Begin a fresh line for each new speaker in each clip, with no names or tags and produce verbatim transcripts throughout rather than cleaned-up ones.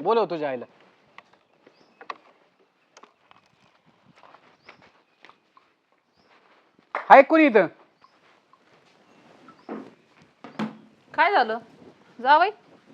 बोलव तुझ्या आईला. हाय कोणी इथं?
काय झालं जावई?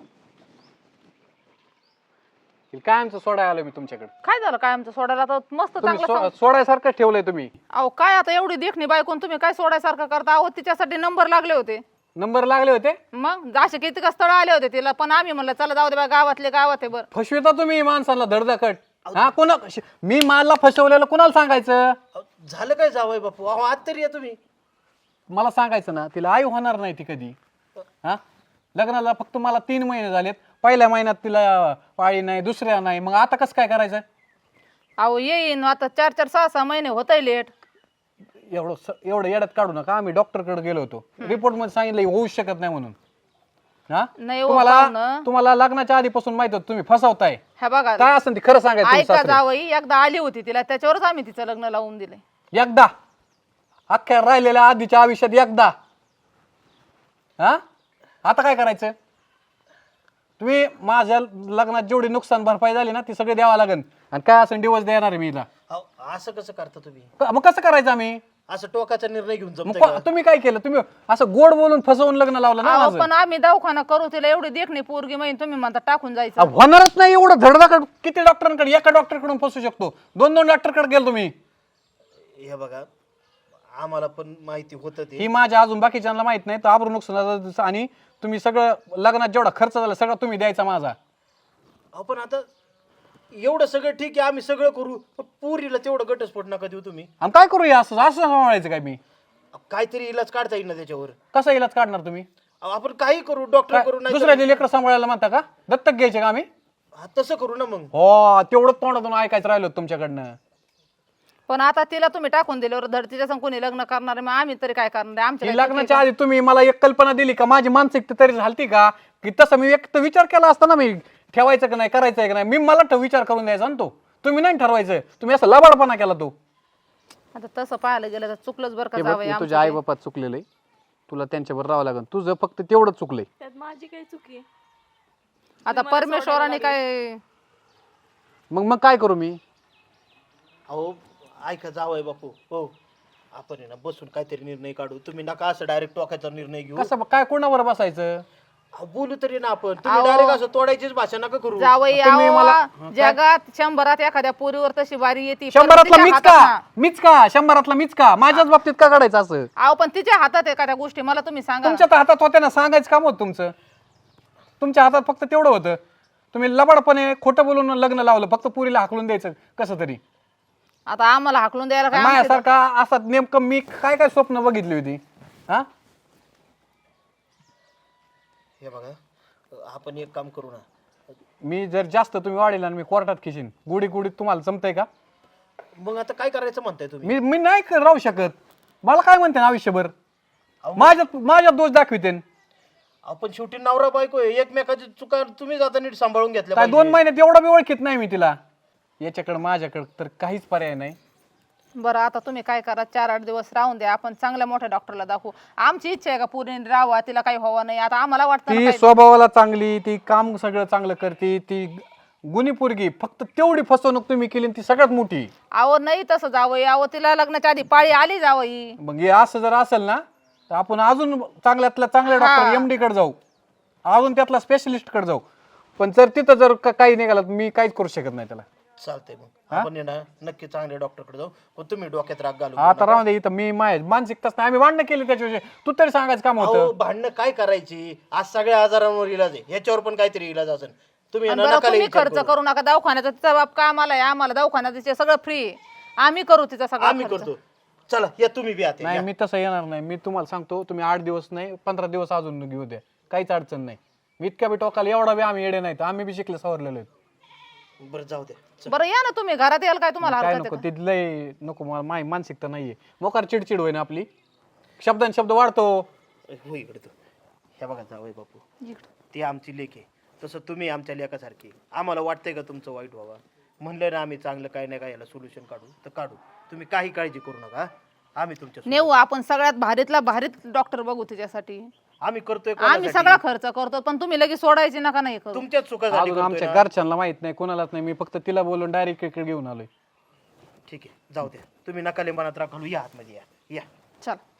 काय आमचं सोडाय आलो मी तुमच्याकडे.
काय झालं काय आमचं सोडायला तर मस्त
तुम्ही
चांगलं
सो-
सांग-
सोडायसारखं ठेवलंय तुम्ही.
अहो काय आता एवढी देखणी बायकोन तुम्ही काय सोडायसारखं करता? अहो तिच्यासाठी नंबर लागले होते.
नंबर लागले होते.
मग जाशे किती का स्थळ आले होते तिला, पण आम्ही म्हणलं चला जाऊ दे बा, गावातले गावात आहे. बरं
फसविता तुम्ही माणसाला धडधाकट. हा कोणा मी मालला फसवलेलं कुणाला सांगायचं?
अहो, झालं काय जावय बापू? अहो आज तरी या तुम्ही.
मला सांगायचं ना, तिला आई होणार नाही ती कधी. हा लग्नाला फक्त मला तीन महिने झालेत. पहिल्या महिन्यात तिला पाळी नाही, दुसऱ्या नाही, मग आता कसं काय करायचं?
अहो येईन आता चार चार सहा सहा महिने होतंय लेट.
एवढं स- एवढं येड्यात काढू नका. आम्ही डॉक्टरकडे गेलो होतो, रिपोर्ट मध्ये सांगितलं होऊ शकत नाही म्हणून. हा
नाही हो
तुम्हाला
पाहुणं.
तुम्हाला लग्नाच्या आधीपासून माहित होतं तुम्ही फसवताय.
हे बघा
काय असेल ते खरं सांगायचं तुम्ही
ऐका
सासरे.
जावई, एकदा आली होती तिला, त्याच्यावरच आम्ही तिचं लग्न लावून दिले.
एकदा अख्ख्या राहिलेल्या आधीच्या आयुष्यात एकदा. हा आता काय करायचं? तुम्ही माझ्या लग्नात जेवढी नुकसान भरपाई झाली ना ती सगळी द्यावा लागेल. आणि काय असं डिवोर्स देणार आहे मी हिला.
अहो असं कसं करता तुम्ही?
क- मग कसं करायचं आम्ही?
असं टोकाचा निर्णय घेऊन
मग
जमतंय
को-
का?
तुम्ही काय केलं? तुम्ही असं गोड बोलून फसवून लग्न लावलं ना
अहो,
माझं.
पण आम्ही दवाखाना करू तिला एवढी देखणी पोरगी माहिती, तुम्ही म्हणता टाकून जायचं.
अहो, होणारच नाही एवढं धडधाकड. किती डॉक्टरांकडे एका डॉक्टरकडून फसू शकतो? दोन दोन डॉक्टरकडे गेलो तुम्ही.
हे बघा आम्हाला पण माहिती होतं ते.
ही माझ्या अजून बाकीच्यांना माहित नाही. तर आबरू नुकसान आणि तुम्ही सगळं लग्नात जेवढा खर्च झाला सगळं तुम्ही द्यायचा माझा.
अहो पण आता एवढं सगळं ठीक आहे, आम्ही सगळं करू, पण पुरीला तेवढं घटस्फोट नका देऊ तुम्ही.
आणि काय करूया असं असं सांभाळायचं काय मी?
अहो, काहीतरी इलाज काढता येईल ना त्याच्यावर.
कसा इलाज काढणार तुम्ही?
अहो, आपण काही करू, डॉक्टर करू, नाही
दुसऱ्याचे लेकरं सांभाळायला म्हणता का? दत्तक घ्यायचे का आम्ही?
हा, तसं करू ना मग.
हो तेवढं तोंडातून ऐकायचं राहिलो तुमच्याकडनं.
पण आता तिला तुम्ही टाकून दिल्यावर धड तिच्या संग कोणी लग्न करणार आहे, मग आम्ही तरी काय करणार आहे? आमच्या
ही
काय चुकी
लग्नाच्या आधी तुम्ही मला एक कल्पना दिली का? माझी मानसिकता तरी झालती का? की तसं मी एक तर विचार केला असता ना, मी ठेवायचं का नाही, करायचं का नाही. मी मला ठ- विचार करून द्यायचा ना तो. तुम्ही नाही ठरवायचं. तुम्ही असं लबाडपणा केला तो.
आहे? आता तसं पाहायला गेलं तर चुकलंच बरं का
हे बघ,
जावई
मी
आमचं
तुझ्या आई
ते.
बापात चुकलेलं आहे. तुला त्यांच्यावर राहावं लागेल. तुझं फक्त तेवढं चुकलंय.
त्यात माझी काही चुकी आहे?
आता परमेश्वराने काय
मग मग काय करू मी?
अहो ऐका जावय बापू, हो आपण आहे ना बसून काहीतरी निर्णय काढू. तुम्ही नका असं डायरेक्ट टोकाचा निर्णय घेऊ.
कसं काय कोणावर बसायचं?
अहो, बोलू तरी ना आपण. तुम्ही डायरेक्ट असं तोडायचीच भाषा नका करू.
जावई
तुम्ही
अहो,
मला-
जगात शंभरात एखाद्या पोरीवर तशी बारी येते.
शंभरातला मीच का?
हातात
मीच का? शंभरातला मीच का? माझ्याच बाबतीत का काढायचं असं?
अहो पण तिच्या हातात एखाद्या गोष्टी मला तुम्ही सांगा.
तुमच्या तर हातात होत्या ना, सांगायचं काम होतं तुमचं. तुमच्या हातात फक्त तेवढं होतं. तुम्ही लबाडपणे खोटं बोलून लग्न लावलं, फक्त पुरीला हाकलून द्यायचं कसं तरी.
आता आम्हाला हाकलून द्यायला काय आमची-
माझ्यासारखा असा नेमकं मी काय काय स्वप्न बघितली होती. हा
हे बघा आपण एक काम करू ना.
मी जर जास्त तुम्ही वाढेल आणि मी कोर्टात खिशीन. गुढी गुढीत तुम्हाला जमतंय का?
मग आता काय करायचं म्हणताय तुम्ही?
मी मी नाही क- राहू शकत. मला काय म्हणते ना आयुष्यभर? माझ्यात माझ्यात दोष दाखविते.
आपण शेवटी नवरा बायको आहे, एकमेकाची चुका तुम्ही आता नीट सांभाळून घेतल्या
काय
पाहिजे.
दोन महिन्यात एवढा मी ओळखीत नाही मी तिला. याच्याकडे माझ्याकडे तर काहीच पर्याय नाही.
बरं आता तुम्ही काय करा, चार आठ दिवस राहून द्या, आपण चांगल्या मोठ्या डॉक्टरला दाखवू. आमची इच्छा आहे का पूर्ण राहावा, तिला काही व्हावं नाही. आता आम्हाला वाटतं ना
ती
काही-
स्वभावाला चांगली, ती काम सगळं चांगलं करते, ती गुणी पोरगी. फक्त तेवढी फसवणूक तुम्ही केली आणि ती सगळ्यात मोठी.
अहो नाही तसं जावई, अहो तिला लग्नाच्या आधी पाळी आली जावई.
मग हे असं जर असेल ना तर आपण अजून चांगल्यातल्या चांगल्या
हा.
डॉक्टर एमडी कडे जाऊ, अजून त्यातला स्पेशलिस्ट कडे जाऊ. पण जर तिथं जर का- काही निघालं तर मी काहीच करू शकत नाही त्याला.
चालतंय मग आपण आहे ना नक्की चांगल्या डॉक्टरकडे जाऊ. पण तुम्ही डोक्यात राग घालू
आता राहून दे इथं. मी माय मानसिकताच नाही. आम्ही भांडणं केली त्याच्याविषयी. तू तरी सांगायचं काम
अहो
होतं.
भांडणं काय करायची? आज सगळ्या आजारांवर इलाज आहे, ह्याच्यावर पण काहीतरी इलाज असेल. तुम्ही आहे
आणि
ना
बरं
नका लय
तुम्ही
विचार
खर्च
करू.
करू नका दवाखान्याचा. तिचा बाप कामाला आहे, आम्हाला दवाखान्याचे सगळं फ्री. आम्ही करू तिचा सगळा
आम्ही
खर्च.
करतो. चला या तुम्ही बी आता
नाही
या.
मी तसं येणार नाही. मी तुम्हाला सांगतो, तुम्ही आठ दिवस नाही पंधरा दिवस अजून घेऊ द्या, काहीच अडचण नाही. मी इतक्या बी टोकाला एवढा बी आम्ही येडे नाही. आम्ही बी शिकले सवरलेलो आहेत.
बरं जाऊ द्या. चल.
बरं या ना तुम्ही घरात याल काय तुम्हाला
काय
हरकत
नको
आहे
ते लय नको. मला माही मानसिकता नाहीये. मोकार चिडचिड होईना आपली. शब्दान शब्द वाढतो.
हो इकडे तू. हे बघा जावई बापू,
का? इकडं.
ती आमची लेक आहे, तसं तुम्ही आमच्या लेकासारखी. आम्हाला वाटतंय का तुमचं वाईट व्हावं? म्हणलं ना आम्ही चांगलं काही नाही काय याला सोल्युशन काढू तर काढू. तुम्ही काही काळजी करू नका. आम्ही तुमच्या सोबत.
नेऊ आपण सगळ्यात भारीतला भारीत डॉक्टर बघू तिच्यासाठी.
आम्ही करतोय
आम्ही
कोणासाठी?
सगळा खर्च करतो पण तुम्ही लगेच सोडायची नका नाही करू.
तुमच्याच चुका झाली
अजून
करतोय
आमच्या
ना.
घरच्यांना माहित नाही कोणालाच नाही, मी फक्त तिला बोलून डायरेक्ट इकडे घेऊन आलोय.
ठीक आहे जाऊ द्या, तुम्ही नका लिंबानात राखू, या आतमध्ये या या
चल